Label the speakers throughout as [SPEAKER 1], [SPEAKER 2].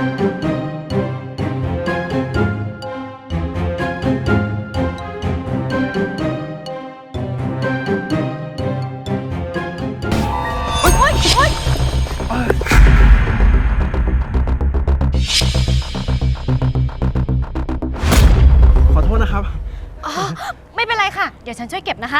[SPEAKER 1] โอ๊ยโอ๊ยโอ๊ย
[SPEAKER 2] ขอโทษนะครับ
[SPEAKER 1] อ๋อไม่เป็นไรค่ะ เดี๋ยวฉันช่วยเก็บนะคะ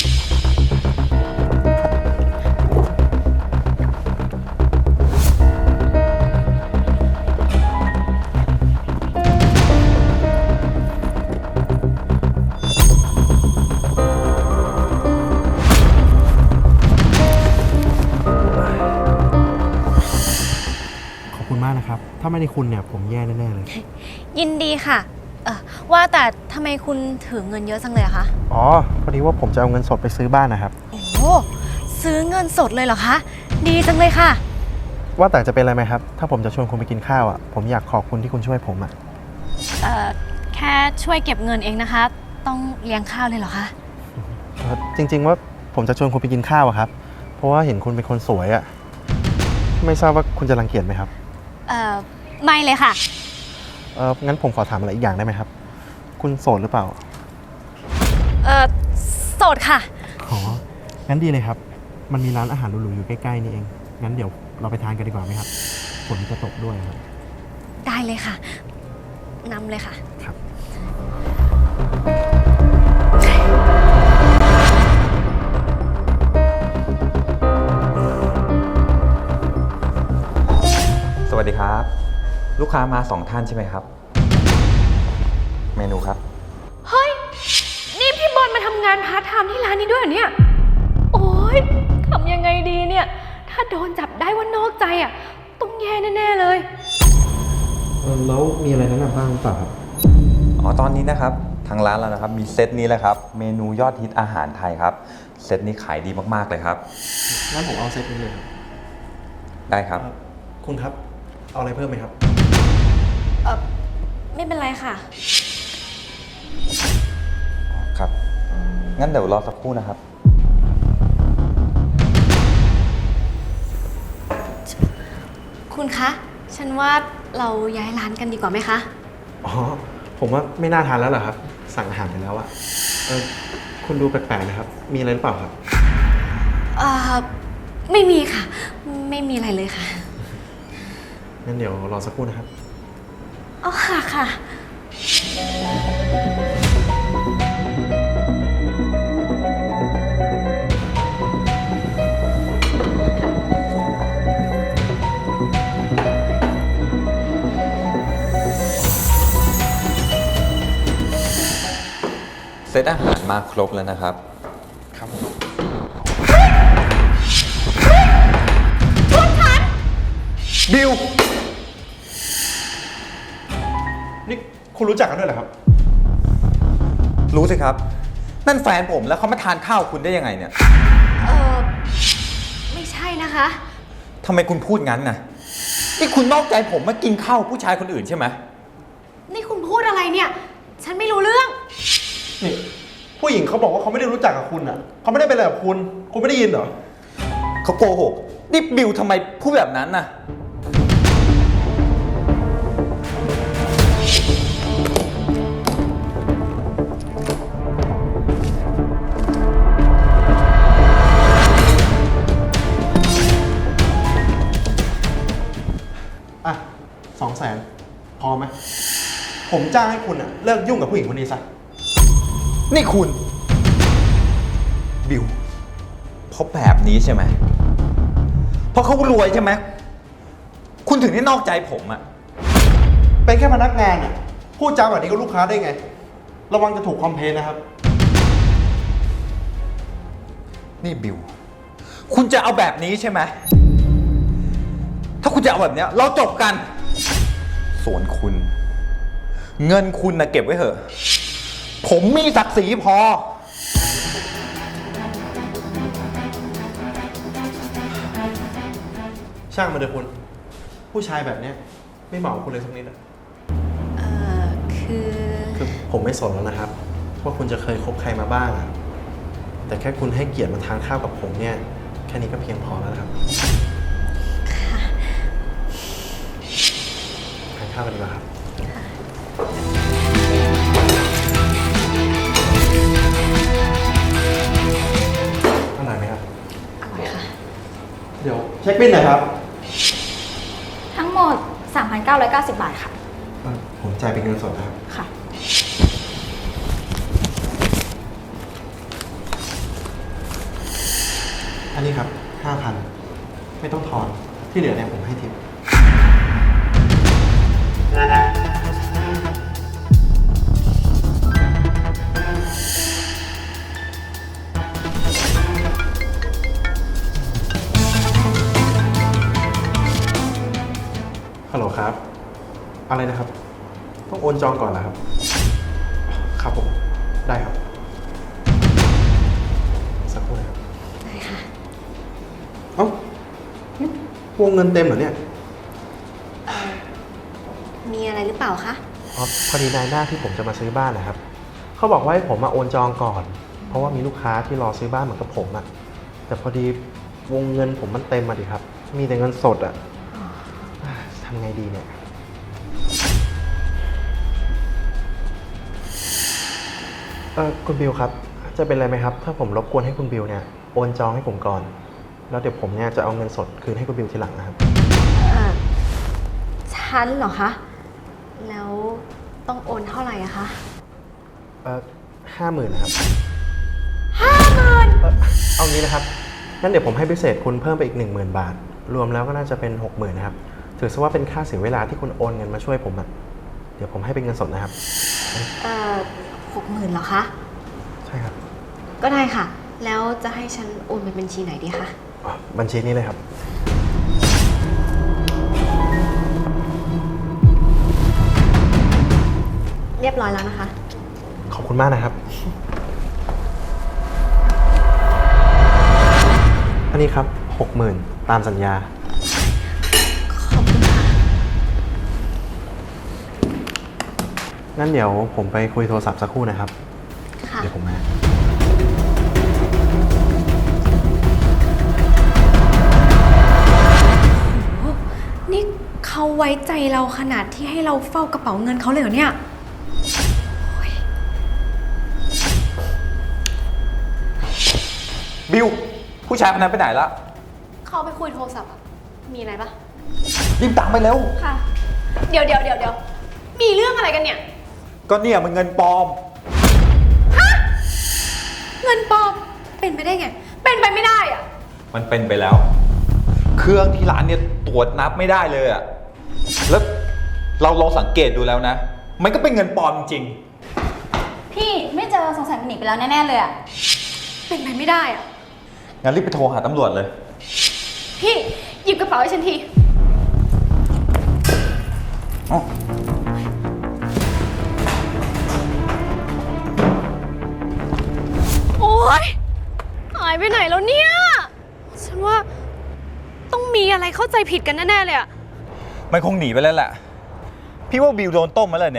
[SPEAKER 2] ขอบคุณมากนะครับ ถ้าไม่ได้คุณเนี่ยผมแย่แน่ๆเลย
[SPEAKER 1] ยินดีค่ะ ว่าแต่ทำไมคุณถือเงินเยอะจังเลยอะคะ
[SPEAKER 2] อ๋อ พอดีว่าผมจะเอาเงินสดไปซื้อบ้านนะครับ
[SPEAKER 1] โอ้โหซื้อเงินสดเลยเหรอคะ ดีจังเลยค่ะ
[SPEAKER 2] ว่าแต่จะเป็นอะไรไหมครับ ถ้าผมจะชวนคุณไปกินข้าวอ่ะ ผมอยากขอบคุณที่คุณช่วยผมอ่ะ
[SPEAKER 1] แค่ช่วยเก็บเงินเองนะคะ ต้องเลี้ยงข้าวเลยเหรอคะ
[SPEAKER 2] จริงๆว่าผมจะชวนคุณไปกินข้าวอะครับ เพราะว่าเห็นคุณเป็นคนสวยอ่ะ ไม่ทราบว่าคุณจะรังเกียจไหมครับ
[SPEAKER 1] ไม่เลยค่ะ
[SPEAKER 2] งั้นผมขอถามอะไรอีกอย่างได้ไหมครับ คุณโสดหรือเปล่า
[SPEAKER 1] โสดค่ะ
[SPEAKER 2] อ๋อ งั้นดีเลยครับ มันมีร้านอาหารหรูๆอยู่ใกล้ๆนี่เอง งั้นเดี๋ยวเราไปทานกันดีกว่าไหมครับ ฝนจะตกด้วยครับ
[SPEAKER 1] ได้เลยค่ะนำเลยค่ะ
[SPEAKER 2] ครับ
[SPEAKER 3] สวัสดีครับ ลูกค้ามา2 ท่านใช่ไหมครับ เมนูครับ
[SPEAKER 4] เฮ้ย นี่พี่บอลมาทำงานพาร์ทไทม์ที่ร้านนี้ด้วยเหรอเนี่ย โอ๊ยทำยังไงดีเนี่ย ถ้าโดนจับได้ว่านอกใจอ่ะ ต้องแย่แน่ๆเลย
[SPEAKER 2] แล้วมีอะไรแนะนำบ้างหรือเปล่าครับ
[SPEAKER 3] อ๋อ ตอนนี้นะครับ ทางร้านเรานะครับ มีเซตนี้แหละครับ เมนูยอดฮิตอาหารไทยครับ เซตนี้ขายดีมากๆเลยครับ
[SPEAKER 2] งั้นผมเอาเซตนี้เลยครับ
[SPEAKER 3] ได้ครับ
[SPEAKER 2] คุณครับ เอาอะไรเพิ่มไหมครับ
[SPEAKER 1] ไม่เป็นไรค่ะ
[SPEAKER 3] ครับ งั้นเดี๋ยวรอสักครู่นะครับ
[SPEAKER 1] คุณคะ ฉันว่าเราย้ายร้านกันดีกว่าไหมคะ
[SPEAKER 2] อ๋อ ผมว่าไม่น่าทานแล้วเหรอครับ สั่งอาหารไปแล้วอะคุณดูแปลกๆนะครับ มีอะไรหรือเปล่าครับ
[SPEAKER 1] ไม่มีค่ะ ไม่มีอะไรเลยค่ะ
[SPEAKER 2] งั้นเดี๋ยวรอสักครู่นะครับ
[SPEAKER 1] อ๋อค่ะค่ะ
[SPEAKER 3] เซตอาหารมาครบแล้วนะครับ
[SPEAKER 2] ครับ บิว นี่คุณรู้จักกันด้วยเหรอครับ
[SPEAKER 3] รู้สิครับ นั่นแฟนผมแล้วเขามาทานข้าวคุณได้ยังไงเนี่ย
[SPEAKER 1] ไม่ใช่นะคะ
[SPEAKER 3] ทำไมคุณพูดงั้นน่ะ นี่คุณนอกใจผมมากินข้าวผู้ชายคนอื่นใช่ไหม
[SPEAKER 1] นี่คุณพูดอะไรเนี่ย ฉันไม่รู้เรื่อง
[SPEAKER 2] นี่ ผู้หญิงเขาบอกว่าเขาไม่ได้รู้จักกับคุณอะเขาไม่ได้เป็นอะไรกับคุณ คุณไม่ได้ยินเหรอ
[SPEAKER 3] เขาโกหกนี่บิวทำไมพูดแบบนั้นน่ะ
[SPEAKER 2] อ่ะ200,000พอไหม ผมจ้างให้คุณอะเลิกยุ่งกับผู้หญิงคนนี้ซะ
[SPEAKER 3] นี่คุณบิวเพราะแบบนี้ใช่ไหมเพราะเขารวยใช่ไหมคุณถึงได้นอกใจผมอะ
[SPEAKER 2] เป็นแค่พนักงานอะพูดจาแบบนี้กับลูกค้าได้ไง ระวังจะถูกคอมเพลนนะครับ
[SPEAKER 3] นี่บิวคุณจะเอาแบบนี้ใช่ไหมถ้าคุณจะเอาแบบเนี้ยเราจบกัน ส่วนคุณ เงินคุณนะเก็บไว้เถอะ ผมมีศักดิ์ศรีพอ
[SPEAKER 2] ช่างมันเถอะคุณ ผู้ชายแบบเนี้ยไม่เหมาะกับคุณเลยสักนิดอะ
[SPEAKER 1] คือ
[SPEAKER 2] คือผมไม่สนแล้วนะครับ ว่าคุณจะเคยคบใครมาบ้างอะแต่แค่คุณให้เกียรติมาทานข้าวกับผมเนี่ย แค่นี้ก็เพียงพอแล้วนะครับข้าวกันดีกว่าครับอร่อยไหมครับ
[SPEAKER 1] อร่อยค่ะ
[SPEAKER 2] เดี๋ยวเช็คบิลหน่อยครับ
[SPEAKER 1] ทั้งหมด 3,990 บาทค่ะ
[SPEAKER 2] ผมจ่ายเป็นเงินสดนะครับ
[SPEAKER 1] ค่ะ
[SPEAKER 2] อันนี้ครับ 5,000 ไม่ต้องทอน ที่เหลือเนี่ยผมให้ทิป ฮัลโหลครับ อะไรนะครับ ต้องโอนจองก่อนนะครับ ครับผม ได้ครับ สักครู่นะครับ
[SPEAKER 1] ได้ค่ะ
[SPEAKER 2] เอ้านี่วงเงินเต็มเหรอเนี่ย
[SPEAKER 1] มีอะไรหรือเปล่าคะ
[SPEAKER 2] อ๋อพอดีนายหน้าที่ผมจะมาซื้อบ้านนะครับ เขาบอกว่าให้ผมมาโอนจองก่อน เพราะว่ามีลูกค้าที่รอซื้อบ้านเหมือนกับผมอะแต่พอดีวงเงินผมมันเต็มมาดิครับ มีแต่เงินสดอะทำไงดีเนี่ย คุณบิวครับ จะเป็นอะไรไหมครับ ถ้าผมรบกวนให้คุณบิวเนี่ยโอนจองให้ผมก่อน แล้วเดี๋ยวผมเนี่ยจะเอาเงินสดคืนให้คุณบิวทีหลังนะครับ
[SPEAKER 1] ฉันเหรอคะ แล้วต้องโอนเท่าไหร่อะคะ
[SPEAKER 2] 50,000นะครับ
[SPEAKER 1] 50,000
[SPEAKER 2] เอางี้นะครับ งั้นเดี๋ยวผมให้พิเศษคุณเพิ่มไปอีก 10,000 บาท รวมแล้วก็น่าจะเป็น 60,000นะครับ ถือซะว่าเป็นค่าเสียเวลาที่คุณโอนเงินมาช่วยผมอะเดี๋ยวผมให้เป็นเงินสดนะครับ
[SPEAKER 1] 60,000เหรอคะ
[SPEAKER 2] ใช่ครับ
[SPEAKER 1] ก็ได้ค่ะ แล้วจะให้ฉันโอนเป็นบัญชีไหนดีคะ
[SPEAKER 2] บัญชีนี้เลยครับ
[SPEAKER 1] เรียบร้อยแล้วนะคะ
[SPEAKER 2] ขอบคุณมากนะครับ อันนี้ครับ 60,000 ตามสัญญา
[SPEAKER 1] ขอบคุณค่ะ
[SPEAKER 2] งั้นเดี๋ยวผมไปคุยโทรศัพท์สักครู่นะครับ
[SPEAKER 1] ค่ะ
[SPEAKER 2] เดี๋ยวผมมา
[SPEAKER 4] นี่เขาไว้ใจเราขนาดที่ให้เราเฝ้ากระเป๋าเงินเขาเลยเหรอเนี่ย
[SPEAKER 3] บิว ผู้ชายคนนั้นไปไหนละ
[SPEAKER 1] เขาไปคุยโทรศัพท์อะมีอะไรปะ
[SPEAKER 3] รีบตามไปเร็ว
[SPEAKER 4] ค่ะ เดี๋ยวมีเรื่องอะไรกันเนี่ย
[SPEAKER 3] ก็เนี่ยมันเงินปลอม
[SPEAKER 4] เงินปลอม เป็นไปได้ไง เป็นไปไม่ได้อะ
[SPEAKER 3] มันเป็นไปแล้ว เครื่องที่ร้านเนี่ยตรวจนับไม่ได้เลยอะแล้วเราลองสังเกตดูแล้วนะ มันก็เป็นเงินปลอมจริง
[SPEAKER 5] พี่ไม่เจอสงสัยมันหนีไปแล้วแน่ ๆ เลยอะ
[SPEAKER 4] เป็นไปไม่ได้อะ
[SPEAKER 3] งั้นรีบไปโทรหาตำรวจเลย
[SPEAKER 4] พี่หยิบกระเป๋าให้ฉันที
[SPEAKER 3] อ๋อ
[SPEAKER 4] โอ๊ยหายไปไหนแล้วเนี่ย ฉันว่าต้องมีอะไรเข้าใจผิดกันแน่ๆเลยอะ
[SPEAKER 3] มันคงหนีไปแล้วแหละ พี่ว่าบิวโดนต้มมาเลยเนี่ย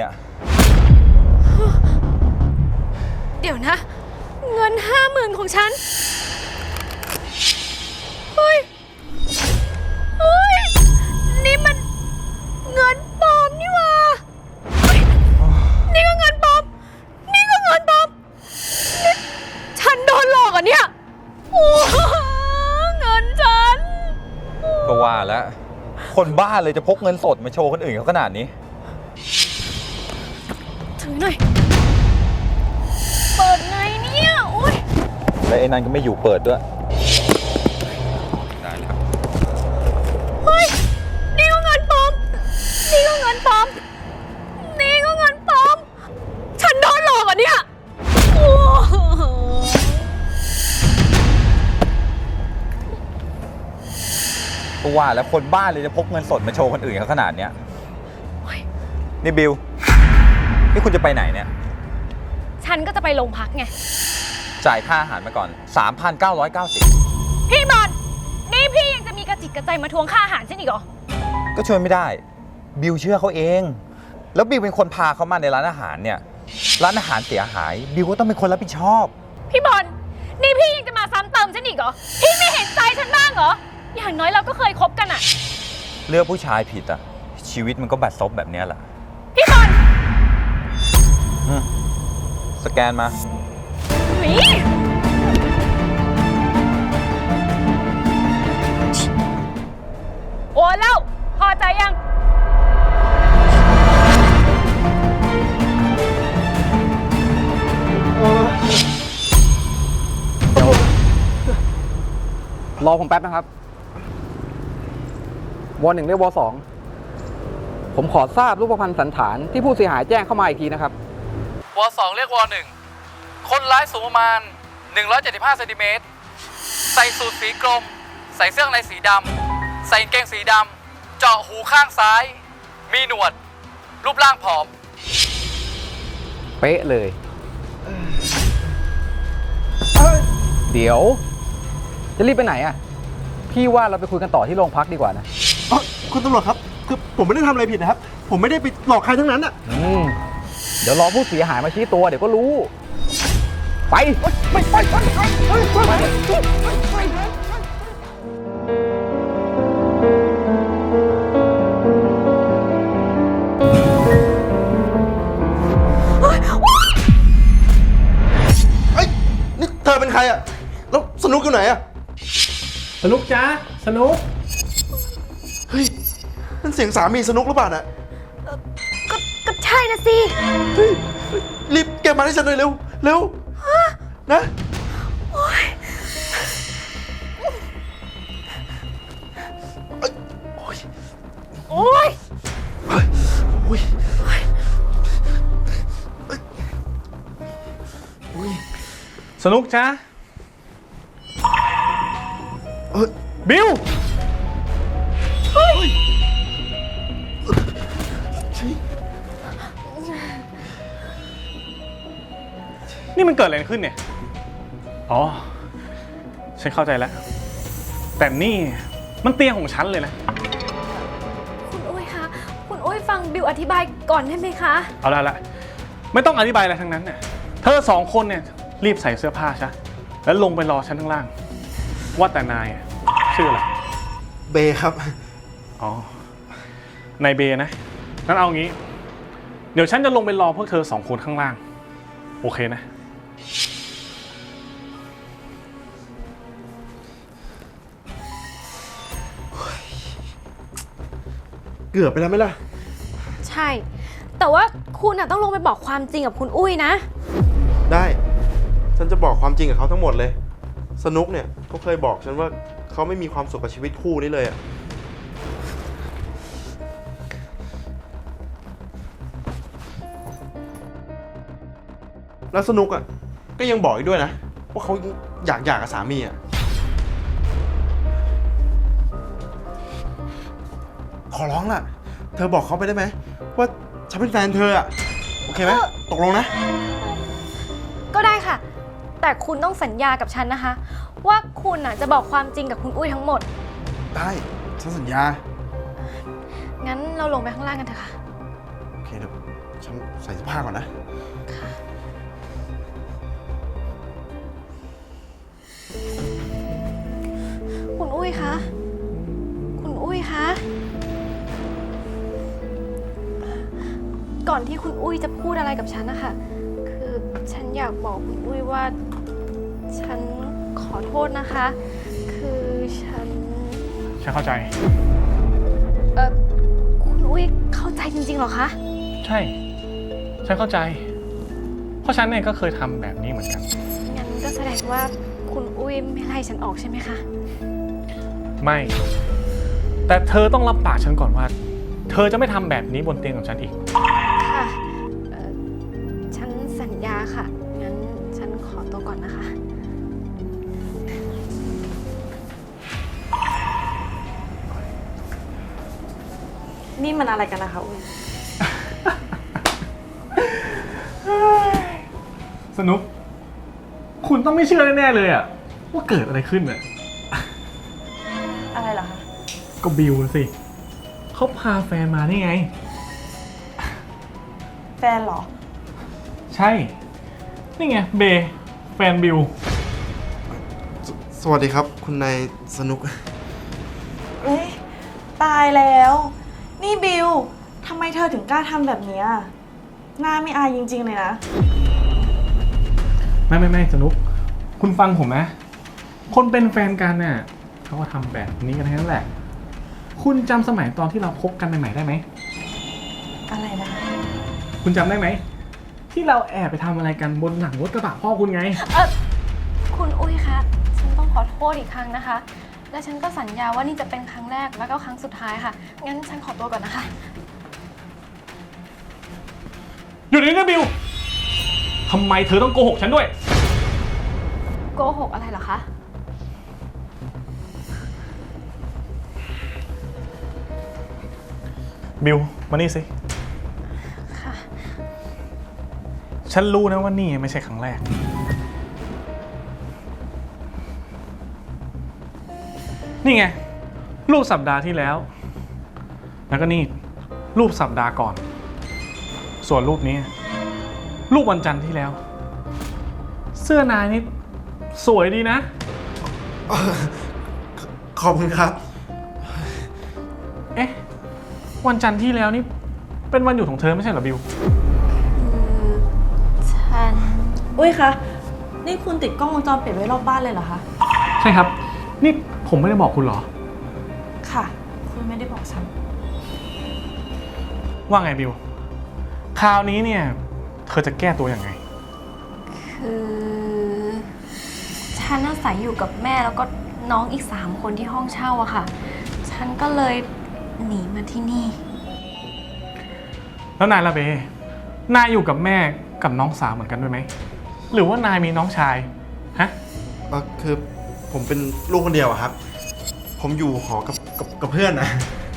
[SPEAKER 4] เดี๋ยวนะ เงิน 50,000 ของฉัน เฮ้ย นี่มันเงินปลอมนี่หว่าเฮ้ยนี่ก็เงินปลอม นี่ก็เงินปลอมนี่ฉันโดนหลอกอ่ะเนี่ย โอ้เงินฉัน
[SPEAKER 3] ก็ว่าแล้ว คนบ้าเลยจะพกเงินสดมาโชว์คนอื่นเขาขนาดนี้
[SPEAKER 4] ถือหน่อย เปิดไงเนี่ยอุ้ย
[SPEAKER 3] และไอ้นั่นก็ไม่อยู่เปิดด้วย ได้แล้ว
[SPEAKER 4] เฮ้ย นี่ก็เงินปลอม นี่ก็เงินปลอม นี่ก็เงินปลอม ฉันโดนหลอกอ่ะเนี่ยโอ้โห
[SPEAKER 3] ก็ว่าแล้วคนบ้าเลยจะพกเงินสดมาโชว์คนอื่นเขาขนาดเนี้ยนี่บิว นี่คุณจะไปไหนเนี่ย
[SPEAKER 4] ฉันก็จะไปโรงพักไง
[SPEAKER 3] จ่ายค่าอาหารมาก่อน 3,990
[SPEAKER 4] พี่บอลนี่พี่ยังจะมีกระจิกกระใจมาทวงค่าอาหารฉันอีกเหรอ
[SPEAKER 3] ก็ช่วยไม่ได้ บิวเชื่อเขาเอง แล้วบิวเป็นคนพาเขามาในร้านอาหารเนี่ย ร้านอาหารเสียหาย บิวก็ต้องเป็นคนรับผิดชอบ
[SPEAKER 4] พี่บอลนี่พี่ยังจะมาซ้ำเติมฉันอีกเหรอ พี่ไม่เห็นใจฉันบ้างเหรอ อย่างน้อยเราก็เคยคบกันอะ
[SPEAKER 3] เลือกผู้ชายผิดอ่ะชีวิตมันก็บัดซบแบบเนี้ยแหละ
[SPEAKER 4] พี่บอล
[SPEAKER 3] สแกนมา
[SPEAKER 4] หนีโอนแล้ว พอใจยัง
[SPEAKER 6] รอผมแป๊บนะครับว.1เรียกว.2ผมขอทราบรูปพรรณสันฐานที่ผู้เสียหายแจ้งเข้ามาอีกทีนะครับว.2เรียกว.1คนร้ายสูงประมาณ175เซนติเมตรใส่สูทสีกรมใส่เสื้อในสีดำใส่กางเกงสีดำเจาะหูข้างซ้ายมีหนวดรูปร่างผอมเป๊ะเลยเดี๋ยวจะรีบไปไหนอ่ะพี่ว่าเราไปคุยกันต่อที่โรงพักดีกว่านะ
[SPEAKER 2] คุณตำรวจครับ คือผมไม่ได้ทำอะไรผิดนะครับ ผมไม่ได้ไปหลอกใครทั้งนั้นอ่ะ
[SPEAKER 6] เดี๋ยวรอผู้เสียหายมาชี้ตัวเดี๋ยวก็รู้ ไป
[SPEAKER 2] เฮ้ย นี่เธอเป็นใครอ่ะ แล้วสนุกอยู่ไหนอ่ะ
[SPEAKER 7] สนุกจ้าสนุก
[SPEAKER 2] เฮ้ย นั่นเสียงสามีสนุกหรือเปล่าน่ะ
[SPEAKER 4] ก็ใช่นะสิ
[SPEAKER 2] เฮ้ย รีบเก็บมาให้ฉันหน่อยเร็ว เร็ว นะ โอ้ยโอ้ย
[SPEAKER 4] โอ้ย
[SPEAKER 2] โอ้ย
[SPEAKER 7] สนุกจ้าบิวนี่มันเกิดอะไรขึ้นเนี่ย อ๋อ ฉันเข้าใจแล้ว แต่นี่มันเตียงของฉันเลยนะ
[SPEAKER 1] คุณอุ้ยคะ คุณอุ้ยฟังบิวอธิบายก่อนได้ไหมคะ
[SPEAKER 7] เอาละไม่ต้องอธิบายอะไรทั้งนั้นเนี่ยเธอสองคนเนี่ยรีบใส่เสื้อผ้าซะแล้วลงไปรอฉันข้างล่าง ว่าแต่นายอะชื่ออะไร
[SPEAKER 2] เบครับ
[SPEAKER 7] อ๋อ นายเบนะงั้นเอางี้ เดี๋ยวฉันจะลงไปรอพวกเธอสองคนข้างล่าง โอเคนะ
[SPEAKER 2] เกือบไปแล้วไหมล่ะ
[SPEAKER 1] ใช่ แต่ว่าคุณอะต้องลงไปบอกความจริงกับคุณอุ้ยนะ
[SPEAKER 2] ได้ ฉันจะบอกความจริงกับเขาทั้งหมดเลย สนุกเนี่ยเขาเคยบอกฉันว่าเขาไม่มีความสุขกับชีวิตคู่นี้เลยอะแล้วสนุกอะก็ยังบอกอีกด้วยนะว่าเขาอยากหย่ากับสามีอะขอร้องล่ะ เธอบอกเขาไปได้ไหมว่าฉันเป็นแฟนเธออะโอเคไหมตกลงนะ
[SPEAKER 1] ก็ได้ค่ะ แต่คุณต้องสัญญากับฉันนะคะ ว่าคุณอะจะบอกความจริงกับคุณอุ้ยทั้งหมด
[SPEAKER 2] ได้ฉันสัญญา
[SPEAKER 1] งั้นเราลงไปข้างล่างกันเถอะค่ะ
[SPEAKER 2] โอเคเดี๋ยวฉันใส่เสื้อผ้าก่อนนะ
[SPEAKER 1] คุณอุ้ยคะ คุณอุ้ยคะ ก่อนที่คุณอุ้ยจะพูดอะไรกับฉันนะคะ คือฉันอยากบอกคุณอุ้ยว่า ฉันขอโทษนะคะ คือฉัน
[SPEAKER 7] ฉันเข้าใจ
[SPEAKER 1] คุณอุ้ยเข้าใจจริงๆเหรอคะ
[SPEAKER 7] ใช่ ฉันเข้าใจ เพราะฉันเนี่ยก็เคยทำแบบนี้เหมือนกัน
[SPEAKER 1] งั้นก็แสดงว่าคุณอุ้ยไม่ไล่ฉันออกใช่ไหมคะ
[SPEAKER 7] ไม่ แต่เธอต้องรับปากฉันก่อนว่า เธอจะไม่ทำแบบนี้บนเตียงของฉันอีก
[SPEAKER 1] ค่ะฉันสัญญาค่ะ งั้นฉันขอตัวก่อนนะคะ
[SPEAKER 8] นี่มันอะไรกันนะคะอุ้ย
[SPEAKER 7] สนุก คุณต้องไม่เชื่อแน่ๆเลยอะว่าเกิดอะไรขึ้นอะ
[SPEAKER 8] อะไรเหรอคะ
[SPEAKER 7] ก็บิวสิ เขาพาแฟนมานี่ไง
[SPEAKER 8] แฟนเหรอ
[SPEAKER 7] ใช่ นี่ไงเบย์แฟนบิว
[SPEAKER 2] สวัสดีครับ คุณนายสนุก
[SPEAKER 8] เอ้ย ตายแล้ว นนี่บิวทำไมเธอถึงกล้าทำแบบเนี้ยหน้าไม่อายจริงๆเลยนะ
[SPEAKER 7] ไม่สนุก คุณฟังผมนะ คนเป็นแฟนกันเนี่ยเขาก็ทำแบบนี้กันทั้งนั้นแหละ คุณจำสมัยตอนที่เราคบกันใหม่ๆได้ไหม
[SPEAKER 8] อะไรนะ
[SPEAKER 7] คุณจำได้ไหม ที่เราแอบไปทำอะไรกันบนหลังรถกระบะพ่อคุณไง
[SPEAKER 1] คุณอุ้ยคะ ฉันต้องขอโทษอีกครั้งนะคะ และฉันก็สัญญาว่านี่จะเป็นครั้งแรกแล้วก็ครั้งสุดท้ายค่ะ งั้นฉันขอตัวก่อนนะคะ
[SPEAKER 7] หยุดนี้นะบิวทำไมเธอต้องโกหกฉันด้วย
[SPEAKER 1] โกหกอะไรเหรอคะ
[SPEAKER 7] บิวมานี่สิ
[SPEAKER 1] ค่ะ
[SPEAKER 7] ฉันรู้นะว่านี่ไม่ใช่ครั้งแรก นี่ไง รูปสัปดาห์ที่แล้ว แล้วก็นี่ รูปสัปดาห์ก่อน ส่วนรูปนี้ รูปวันจันทร์ที่แล้ว เสื้อนายนี่สวยดีนะ
[SPEAKER 2] ขอบคุณครับ
[SPEAKER 7] เอ๊ะ วันจันทร์ที่แล้วนี่เป็นวันหยุดของเธอไม่ใช่เหรอบิว
[SPEAKER 1] ฉัน
[SPEAKER 8] อุ้ยคะ นี่คุณติดกล้องวงจรปิดไว้รอบบ้านเลยเหรอคะ
[SPEAKER 7] ใช่ครับ นี่ผมไม่ได้บอกคุณเหรอ
[SPEAKER 8] ค่ะ คุณไม่ได้บอกฉัน
[SPEAKER 7] ว่าไงบิว คราวนี้เนี่ย เธอจะแก้ตัวยังไง
[SPEAKER 1] คือฉันอาศัยอยู่กับแม่แล้วก็น้องอีก3 คนที่ห้องเช่าอะค่ะ ฉันก็เลยหนีมาที่นี่
[SPEAKER 7] แล้วนายละเบ นายอยู่กับแม่กับน้องสาวเหมือนกันด้วยไหม หรือว่านายมีน้องชาย ฮะ
[SPEAKER 2] คือผมเป็นลูกคนเดียวอะครับ ผมอยู่หอกับเพื่อนนะ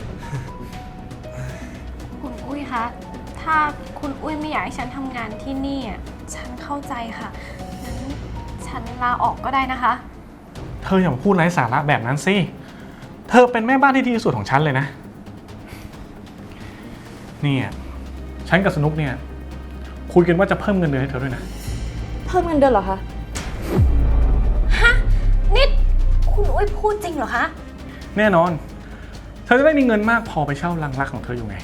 [SPEAKER 1] คุณอุ้ยคะ ถ้าคุณอุ้ยไม่อยากให้ฉันทำงานที่นี่อะฉันเข้าใจค่ะ งั้นฉันลาออกก็ได้นะคะ
[SPEAKER 7] เธออย่ามาพูดไร้สาระแบบนั้นสิ เธอเป็นแม่บ้านที่ดีที่สุดของฉันเลยนะ เนี่ยฉันกับสนุกเนี่ยคุยกันว่าจะเพิ่มเงินเดือนให้เธอด้วยนะ
[SPEAKER 8] เพิ่มเงินเดือนเหรอคะ
[SPEAKER 1] ฮะ นี่คุณอุ้ยพูดจริงเหรอคะ
[SPEAKER 7] แน่นอน เธอจะได้มีเงินมากพอไปเช่ารังรักของเธออยู่ไง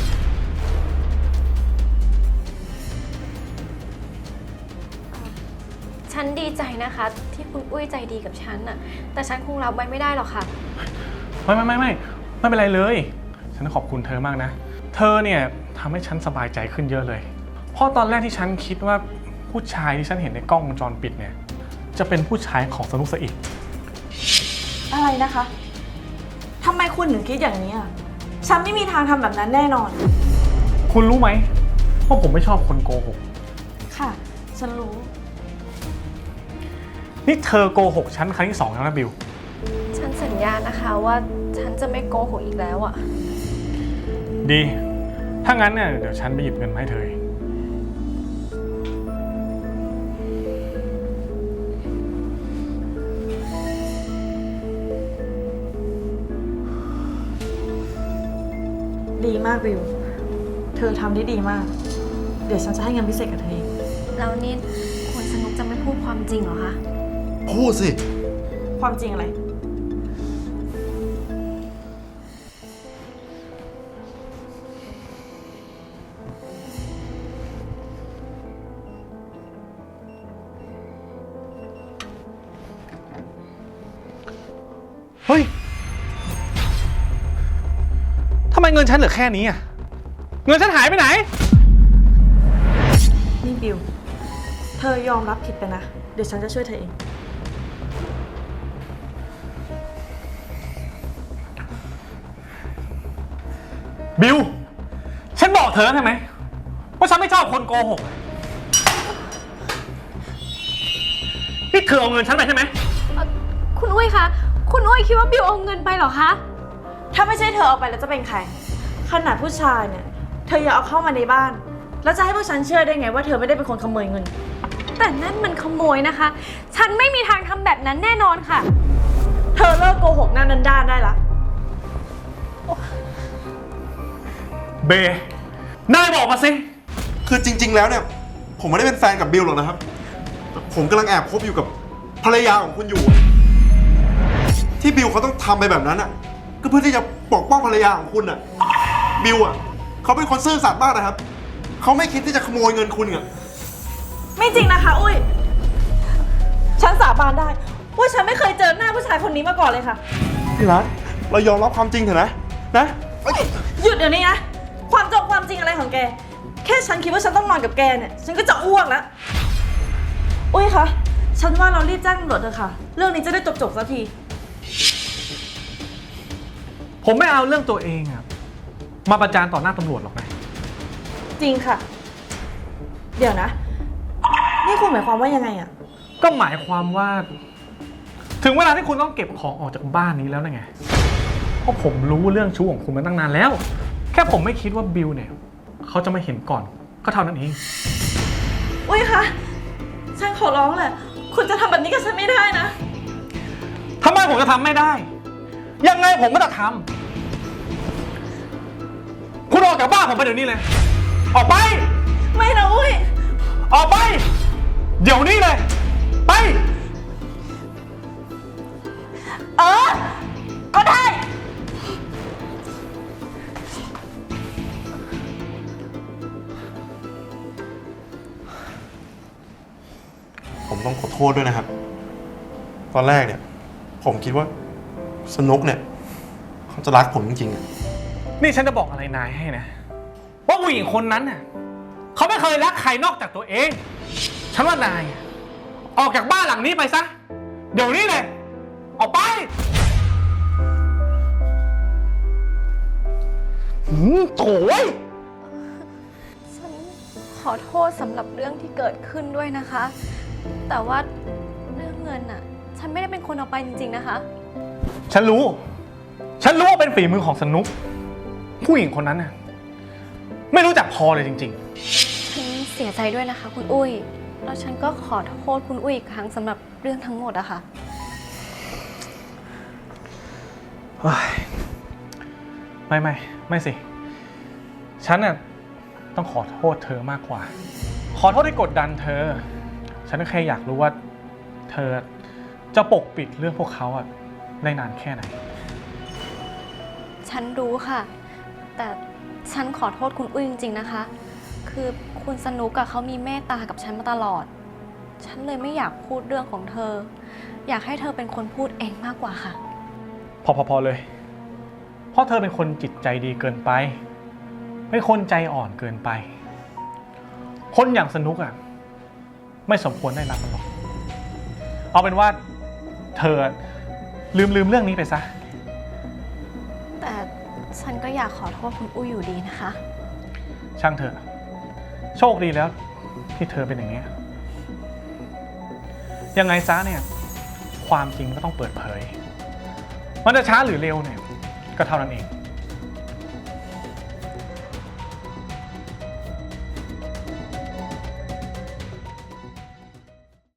[SPEAKER 1] ฉันดีใจนะคะ ที่คุณอุ้ยใจดีกับฉันน่ะ แต่ฉันคงรับไว้ไม่ได้หรอกค่ะ
[SPEAKER 7] ไม่เป็นไรเลย ฉันขอบคุณเธอมากนะ เธอเนี่ยทำให้ฉันสบายใจขึ้นเยอะเลย เพราะตอนแรกที่ฉันคิดว่าผู้ชายที่ฉันเห็นในกล้องวงจรปิดเนี่ยจะเป็นผู้ชายของสนุกซะอีก
[SPEAKER 8] อะไรนะคะ ทำไมคุณถึงคิดอย่างนี้อ่ะ ฉันไม่มีทางทำแบบนั้นแน่นอน
[SPEAKER 7] คุณรู้ไหมว่าผมไม่ชอบคนโกหก
[SPEAKER 8] ค่ะ ฉันรู้
[SPEAKER 7] นี่เธอโกหกฉันครั้งที่ 2แล้วนะบิว
[SPEAKER 1] ฉันสัญญานะคะว่าฉันจะไม่โกหกอีกแล้วอะ
[SPEAKER 7] ดี ถ้างั้นเนี่ยเดี๋ยวฉันไปหยิบเงินมาให้เธอเอง
[SPEAKER 8] ดีมากบิว เธอทำได้ดีมาก เดี๋ยวฉันจะให้เงินพิเศษกับเธอเอง
[SPEAKER 1] แล้วนี่คุณสนุกจะไม่พูดความจริงเหรอคะ
[SPEAKER 2] พูดสิ
[SPEAKER 8] ความจริงอะไร
[SPEAKER 7] เฮ้ย ทำไมเงินฉันเหลือแค่นี้อ่ะ เงินฉันหายไปไหน
[SPEAKER 8] นี่บิว เธอยอมรับผิดไปนะ เดี๋ยวฉันจะช่วยเธอเอง
[SPEAKER 7] บิว ฉันบอกเธอแล้วใช่ไหมว่าฉันไม่ชอบคนโกหก นี่เธอเอาเงินฉันไปใช่ไหม
[SPEAKER 1] คุณอุ้ยคะ คุณอุ้ยคิดว่าบิวเอาเงินไปเหรอคะ
[SPEAKER 8] ถ้าไม่ใช่เธอเอาไปแล้วจะเป็นใคร ขนาดผู้ชายเนี่ย เธออย่าเอาเข้ามาในบ้าน แล้วจะให้พวกฉันเชื่อได้ไงว่าเธอไม่ได้เป็นคนขโมยเงิน
[SPEAKER 1] แต่นั่นมันขโมยนะคะ ฉันไม่มีทางทำแบบนั้นแน่นอนค่ะ
[SPEAKER 8] เธอเลิกโกหกหน้าด้านๆได้ละ
[SPEAKER 7] เบ นายบอกมาสิ
[SPEAKER 2] คือจริง ๆ แล้วเนี่ย ผมไม่ได้เป็นแฟนกับบิลหรอกนะครับ ผมกำลังแอบคบอยู่กับภรรยาของคุณอยู่ ที่บิลเขาต้องทำไปแบบนั้นอ่ะ ก็เพื่อที่จะปกป้องภรรยาของคุณอ่ะบิวอ่ะเขาเป็นคนซื่อสัตย์มากนะครับเขาไม่คิดที่จะขโมยเงินคุณอ่ะ
[SPEAKER 8] ไม่จริงนะคะ อุ้ย ฉันสาบานได้ว่าฉันไม่เคยเจอหน้าผู้ชายคนนี้มาก่อนเลยค่ะ
[SPEAKER 2] พี่รักเรายอมรับความจริงเถอะนะเอ้ย
[SPEAKER 8] หยุดเดี๋ยวนี้นะ ความจริงอะไรของแก แค่ฉันคิดว่าฉันต้องนอนกับแกเนี่ย ฉันก็จะอ้วกแล้ว อุ้ยคะ ฉันว่าเรารีบแจ้งตำรวจเถอะค่ะ เรื่องนี้จะได้จบสักที
[SPEAKER 7] ผมไม่เอาเรื่องตัวเองอะมาประจานต่อหน้าตำรวจหรอกนะ
[SPEAKER 8] จริงค่ะ เดี๋ยวนะ นี่คุณหมายความว่ายังไงอะ
[SPEAKER 7] ก็หมายความว่า ถึงเวลาที่คุณต้องเก็บของออกจากบ้านนี้แล้วนะไง เพราะผมรู้เรื่องชู้ของคุณมาตั้งนานแล้ว แค่ผมไม่คิดว่าบิลเนี่ยเขาจะมาเห็นก่อนก็เท่านั้นเอง
[SPEAKER 8] อุ้ยคะ ฉันขอร้องแหละ คุณจะทำแบบนี้กับฉันไม่ได้นะ
[SPEAKER 7] ทำไมผมจะทำไม่ได้ ยังไงผมก็จะทำคุณออกจากบ้านผมไปเดี๋ยวนี้เลย ออกไป
[SPEAKER 8] ไม่นะอุ้ย
[SPEAKER 7] ออกไป เดี๋ยวนี้เลย ไป
[SPEAKER 8] ก็ได้
[SPEAKER 2] ผมต้องขอโทษด้วยนะครับ ตอนแรกเนี่ย ผมคิดว่าสนุกเนี่ยเขาจะรักผมจริงๆอะ
[SPEAKER 7] นี่ฉันจะบอกอะไรนายให้นะ ว่าผู้หญิงคนนั้นน่ะเขาไม่เคยรักใครนอกจากตัวเอง ฉันว่านายออกจากบ้านหลังนี้ไปซะ เดี๋ยวนี้เลย ออกไปโถ่เว้ย
[SPEAKER 1] ฉันขอโทษสำหรับเรื่องที่เกิดขึ้นด้วยนะคะ แต่ว่าเรื่องเงินน่ะ ฉันไม่ได้เป็นคนเอาไปจริงๆนะคะ
[SPEAKER 7] ฉันรู้ว่าเป็นฝีมือของสนุก ผู้หญิงคนนั้นน่ะไม่รู้จักพอเลยจริง
[SPEAKER 1] ฉันเสียใจด้วยนะคะ คุณอุ้ย แล้วฉันก็ขอโทษคุณอุ้ยอีกครั้งสำหรับเรื่องทั้งหมดอะค่ะ
[SPEAKER 7] ๆไม่สิ ฉันน่ะต้องขอโทษเธอมากกว่า ขอโทษที่กดดันเธอ ฉันก็แค่อยากรู้ว่าเธอจะปกปิดเรื่องพวกเขาอะได้นานแค่ไหน
[SPEAKER 1] ฉันรู้ค่ะ แต่ฉันขอโทษคุณอุ้ยจริงๆนะคะ คือคุณสนุกกับเขามีเมตตากับฉันมาตลอด ฉันเลยไม่อยากพูดเรื่องของเธอ อยากให้เธอเป็นคนพูดเองมากกว่าค่ะ
[SPEAKER 7] พอเลย เพราะเธอเป็นคนจิตใจดีเกินไป เป็นคนใจอ่อนเกินไป คนอย่างสนุกอ่ะไม่สมควรได้รับมันหรอก เอาเป็นว่าเธอลืมเรื่องนี้ไปซะ
[SPEAKER 1] แต่ฉันก็อยากขอโทษคุณอุ้ยอยู่ดีนะคะ
[SPEAKER 7] ช่างเถอะ โชคดีแล้วที่เธอเป็นอย่างนี้ ยังไงซะเนี่ย ความจริงก็ต้องเปิดเผย มันจะช้าหรือเร็วเนี่ยก็เท่านั้นเอง